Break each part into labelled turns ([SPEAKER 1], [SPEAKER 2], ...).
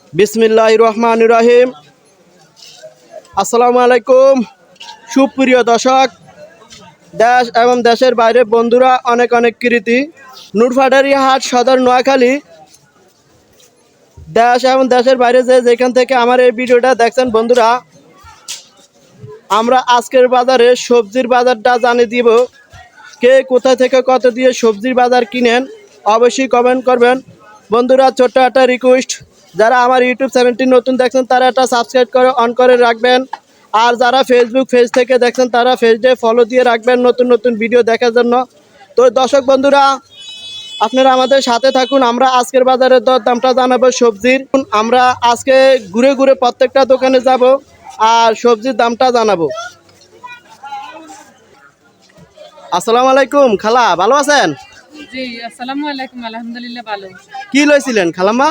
[SPEAKER 1] বিসমিল্লাহির রহমানির রহিম। আসসালামু আলাইকুম সুপ্রিয় দর্শক, দেশ এবং দেশের বাইরে বন্ধুরা, অনেক অনেক কৃতি। নুরফাটারি হাট, সদর, নোয়াখালী। দেশ এবং দেশের বাইরে যেখান থেকে আমার এই ভিডিওটা দেখছেন বন্ধুরা, আমরা আজকের বাজারে সবজির বাজারটা জানিয়ে দিব। কে কোথা থেকে কত দিয়ে সবজির বাজার কিনেন অবশ্যই কমেন্ট করবেন বন্ধুরা। ছোট্ট একটা রিকোয়েস্ট, যারা আমার ইউটিউব চ্যানেলটি নতুন দেখছেন তারা একটা সাবস্ক্রাইব করে অন করে রাখবেন। আর যারা ফেসবুক পেজ থেকে দেখছেন তারা পেজে ফলো দিয়ে রাখবেন নতুন নতুন ভিডিও দেখার জন্য। তো দর্শক বন্ধুরা, আপনারা আমাদের সাথে থাকুন। আমরা আজকের বাজারের দর দামটা জানাবো সবজির। আমরা আজকে ঘুরে ঘুরে প্রত্যেকটা দোকানে যাব আর সবজির দামটা জানাবো। আসসালামু আলাইকুম খালা, ভালো আছেন?
[SPEAKER 2] জি, আসসালামু আলাইকুম। আলহামদুলিল্লাহ ভালো।
[SPEAKER 1] কি লইছিলেন খালাম্মা?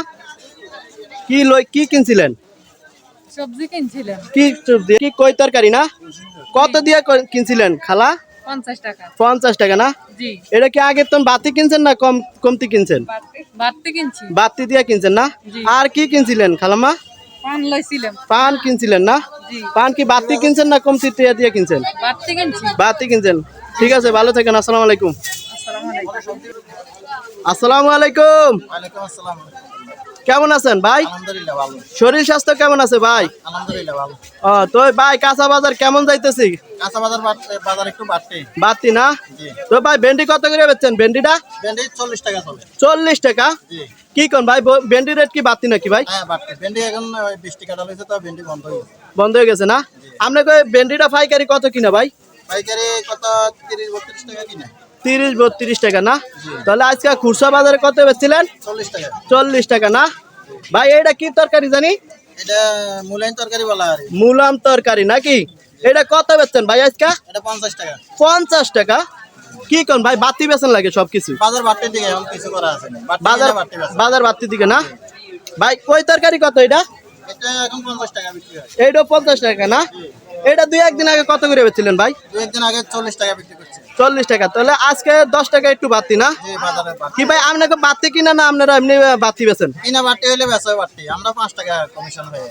[SPEAKER 1] কি কিনছিলেন?
[SPEAKER 2] সবজি কিনছিলাম।
[SPEAKER 1] কি সবজি? কি কই তরকারি না? কত দিয়ে কিনছিলেন খালা?
[SPEAKER 2] 50 টাকা।
[SPEAKER 1] 50 টাকা না?
[SPEAKER 2] জি।
[SPEAKER 1] এটা কি আগে তো বাতি কিনছেন না কমতি কিনছেন?
[SPEAKER 2] বাড়তি কিনছি।
[SPEAKER 1] বাতি দিয়ে কিনছেন না?
[SPEAKER 2] জি।
[SPEAKER 1] আর কি কিনছিলেন খালাম্মা?
[SPEAKER 2] পান লইছিলাম।
[SPEAKER 1] পান কিনছিলেন না?
[SPEAKER 2] জি।
[SPEAKER 1] পান কি বাতি কিনছেন না কমতি দিয়ে কিনছেন?
[SPEAKER 2] বাড়তি কিনছি।
[SPEAKER 1] বাতি কিনছেন। ঠিক আছে, ভালো থাকেন। আসসালামু আলাইকুম।
[SPEAKER 2] আসসালামু আলাইকুম।
[SPEAKER 1] আসসালামু আলাইকুম।
[SPEAKER 3] ওয়ালাইকুম আসসালাম।
[SPEAKER 1] কেমন আছেন ভাই?
[SPEAKER 3] আলহামদুলিল্লাহ ভালো।
[SPEAKER 1] শরীর স্বাস্থ্য কেমন আছে ভাই?
[SPEAKER 3] আলহামদুলিল্লাহ ভালো।
[SPEAKER 1] তো ভাই কাঁচা বাজার কেমন যাইতেছি?
[SPEAKER 3] কাঁচা বাজার একটু বাড়তে।
[SPEAKER 1] বাতি না?
[SPEAKER 3] জি।
[SPEAKER 1] তো ভাই ভেন্ডি কত করে বেচছেন? ভেন্ডিটা
[SPEAKER 3] ভেন্ডি 40 টাকা চলে।
[SPEAKER 1] 40 টাকা?
[SPEAKER 3] জি।
[SPEAKER 1] কি কোন ভাই, ভেন্ডি রেট কি বাতি নাকি ভাই?
[SPEAKER 3] হ্যাঁ বাড়তে। ভেন্ডি এখন 20 টাকা হয়েছে, তো ভেন্ডি বন্ধ হয়ে গেছে।
[SPEAKER 1] বন্ধ হয়ে গেছে না? আপনাকে ভেন্ডিটা পাইকারি কত কিনা ভাই?
[SPEAKER 3] পাইকারি কত 30-32 টাকা কিনে।
[SPEAKER 1] 30-32 টাকা না? তাহলে আজকে খুচরা বাজারে কত বেচছিলেন?
[SPEAKER 3] 40 টাকা।
[SPEAKER 1] 40 টাকা না? ভাই এটা কি তরকারি জানি?
[SPEAKER 3] এটা মূলাইন তরকারি বলা আর কি।
[SPEAKER 1] মুলাম তরকারি নাকি? এটা কত বেচছেন ভাই আজকে?
[SPEAKER 3] এটা 50 টাকা।
[SPEAKER 1] 50 টাকা? কি কোন ভাই, বাতি বেচেন লাগে সবকিছু?
[SPEAKER 3] বাজার বাড়তে দিকে এখন কিছু করা আছে না।
[SPEAKER 1] বাজার বাজার বাড়তি দিকে না? ভাই কই তরকারি কত এটা?
[SPEAKER 3] এটা এখন 50 টাকা বিক্রি হয়।
[SPEAKER 1] এইটা 50 টাকা না? এটা দুই একদিন আগে কত করে বেচছিলেন ভাই?
[SPEAKER 3] একদিন আগে 40 টাকা বিক্রি করছে।
[SPEAKER 1] 40 টাকা। তাহলে আজকে 10 টাকা একটু বাড়তি না?
[SPEAKER 3] জি, বাজারে বাড়তি।
[SPEAKER 1] কি ভাই আপনাকে বাড়তি কিনা না আপনারা এমনি বাড়তি বেচেন?
[SPEAKER 3] কিনা বাড়তি হইলে বেচা বাড়তি। আমরা 5 টাকা কমিশন হয়ে।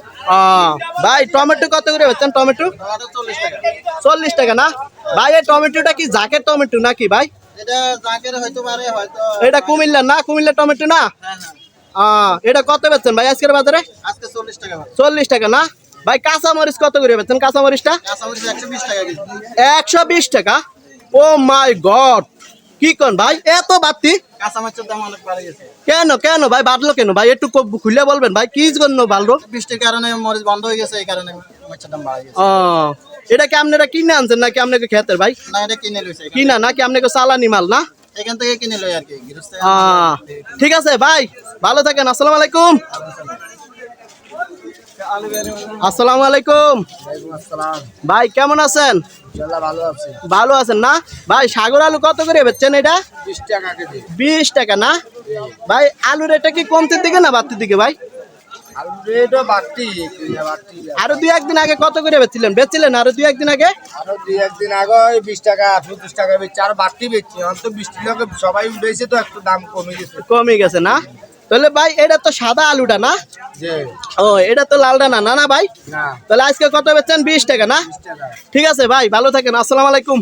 [SPEAKER 1] ভাই টমেটো কত করে বেচছেন? টমেটো
[SPEAKER 3] টমেটো 40 টাকা।
[SPEAKER 1] 40 টাকা না? ভাই এই টমেটোটা কি জাকের টমেটো নাকি ভাই?
[SPEAKER 3] এটা জাকের হয়তো পারে, হয়তো
[SPEAKER 1] এটা কুমিল্লার না? কুমিল্লার টমেটো না?
[SPEAKER 3] হ্যাঁ হ্যাঁ।
[SPEAKER 1] এটা কত বেচছেন ভাই আজকের বাজারে?
[SPEAKER 3] আজকে 40 টাকা ভাই।
[SPEAKER 1] 40 টাকা না? ভাই কাঁচা মরিচ কত করে বেচছেন? কাঁচা মরিচটা
[SPEAKER 3] কাঁচামরিচ 120 টাকা কেজি।
[SPEAKER 1] 120 টাকা? ও মাই গড, কি কোন ভাই এত বাড়তি?
[SPEAKER 3] কাঁচামরিচের দাম অনেক বেড়ে গেছে।
[SPEAKER 1] কেন কেন ভাই বাড়লো কেন ভাই? একটু খুলে বলবেন ভাই, কি জন্য বাড়লো?
[SPEAKER 3] বৃষ্টির কারণে মরিচ বন্ধ হয়ে গেছে, এই কারণে মরিচের দাম বেড়ে গেছে।
[SPEAKER 1] এটা কি আপনারা কিনে আনছেন নাকি আপনাকে খেতের ভাই?
[SPEAKER 3] না, এটা কিনে লইছে।
[SPEAKER 1] কিনা নাকি আপনাকে চালানি মাল না?
[SPEAKER 3] এখান থেকে কিনে লই আর কি, গৃহস্থ।
[SPEAKER 1] ঠিক আছে ভাই, ভালো থাকেন। আসসালামু আলাইকুম। আসসালামু আলাইকুম
[SPEAKER 3] আসসালাম।
[SPEAKER 1] ভাই, কেমন আছেন?
[SPEAKER 3] ইনশাআল্লাহ ভালো আছি।
[SPEAKER 1] ভালো আছেন না? ভাই সাগর আলু কত করে বেচছেন এটা?
[SPEAKER 3] 20 টাকা কেজি।
[SPEAKER 1] 20 টাকা না? ভাই আলুর এটা কি কমতির দিকে না বাড়তির দিকে ভাই?
[SPEAKER 3] আলু রেটও বাড়তি।
[SPEAKER 1] আরো দুই একদিন আগে কত করে বেচছিলেন আরো দুই একদিন আগে?
[SPEAKER 3] আরো 2-1 দিন আগে 20 টাকা 25 টাকা বেচছে, আর বাড়তি বেচছে। অন্ত 20 টাকা সবাই উঠেছে, তো একটু দাম কমে গেছে।
[SPEAKER 1] কমে গেছে না? তাহলে ভাই এটা তো সাদা আলুটা না?
[SPEAKER 3] জি।
[SPEAKER 1] এটা তো লালটা না? না না ভাই,
[SPEAKER 3] না,
[SPEAKER 1] তাহলে আজকে কত বেচছেন? 20 টাকা না?
[SPEAKER 3] 20 টাকা।
[SPEAKER 1] ঠিক আছে ভাই, ভালো থাকেন। আসসালামু আলাইকুম।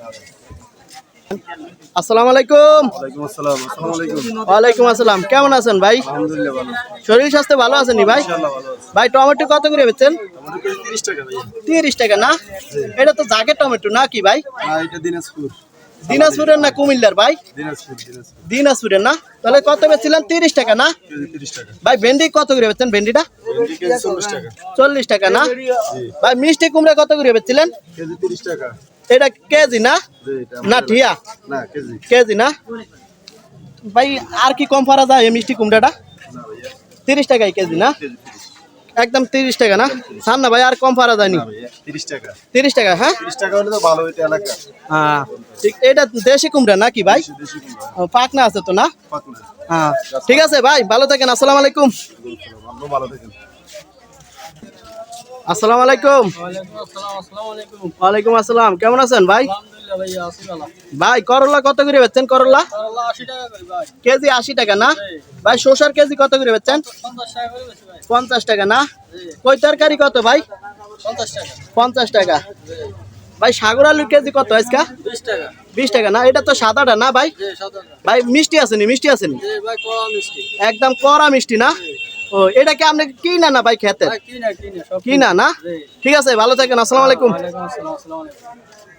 [SPEAKER 1] আসসালামু আলাইকুম।
[SPEAKER 3] ওয়ালাইকুম আসসালাম। আসসালামু আলাইকুম।
[SPEAKER 1] ওয়ালাইকুম আসসালাম। কেমন আছেন ভাই?
[SPEAKER 3] আলহামদুলিল্লাহ ভালো।
[SPEAKER 1] শরীর স্বাস্থ্য ভালো আছেনি ভাই?
[SPEAKER 3] ইনশাআল্লাহ ভালো আছে।
[SPEAKER 1] ভাই টমেটো কত করে বেচছেন?
[SPEAKER 3] আমাদের কাছে 30 টাকা ভাই।
[SPEAKER 1] 30 টাকা না? এটা তো জাগের টমেটো না কি ভাই?
[SPEAKER 3] না, এটা দিনাজপুর।
[SPEAKER 1] দিনাজপুরের না কুমিল্লার ভাই?
[SPEAKER 3] দিনাজপুর।
[SPEAKER 1] দিনাজপুরের না? তাহলে কত বেচছিলেন? 30 টাকা না?
[SPEAKER 3] কেজি 30 টাকা।
[SPEAKER 1] ভাই ভেন্ডি কত করে বেচছেন? ভেন্ডিটা
[SPEAKER 3] ভেন্ডি কেজি 40 টাকা।
[SPEAKER 1] 40 টাকা না? ভাই মিষ্টি কুমড়া কত করে বেচছিলেন?
[SPEAKER 3] কেজি 30 টাকা।
[SPEAKER 1] এটা কেজি না?
[SPEAKER 3] জি, এটা
[SPEAKER 1] না ঠিয়া?
[SPEAKER 3] না, কেজি।
[SPEAKER 1] কেজি না? ভাই আর কি কম পারা যায় এই মিষ্টি কুমড়াটা?
[SPEAKER 3] না ভাইয়া,
[SPEAKER 1] 30 টাকাই কেজি না?
[SPEAKER 3] কেজি 30।
[SPEAKER 1] একদম 30 টাকা না? ছাড় না ভাই, আর কম পারা যায়নি।
[SPEAKER 3] না ভাইয়া, 30 টাকা।
[SPEAKER 1] 30 টাকা? হ্যাঁ
[SPEAKER 3] 30 টাকা হলে তো ভালো হইতো এলাকা।
[SPEAKER 1] ঠিক। এটা দেশি কুমড়া নাকি ভাই?
[SPEAKER 3] দেশি কুমড়া।
[SPEAKER 1] পাকনা আছে তো না?
[SPEAKER 3] পাকনা।
[SPEAKER 1] ঠিক আছে ভাই, ভালো থাকেন। আসসালামু আলাইকুম।
[SPEAKER 3] আপনি ভালো থাকেন।
[SPEAKER 1] আসসালামু আলাইকুম। ওয়ালাইকুম আসসালাম। কেমন আছেন ভাই? ভাই করলা কত করে বেচছেন? করলা কেজি 80 টাকা না ভাই? শসার কেজি কত করে বেচছেন? 50 টাকা না? কই তরকারি কত ভাই? 50 টাকা। ভাই সাগর আলুর কেজি কত আজকে? 20 টাকা না? এটা তো সাদাটা না ভাই? ভাই মিষ্টি আসেনি? মিষ্টি আসেনি? একদম কড়া মিষ্টি না? ও এটা কি আপনি কিনা না ভাই খেতে? কিনা না? ঠিক আছে, ভালো থাকেন, আসসালামু আলাইকুম।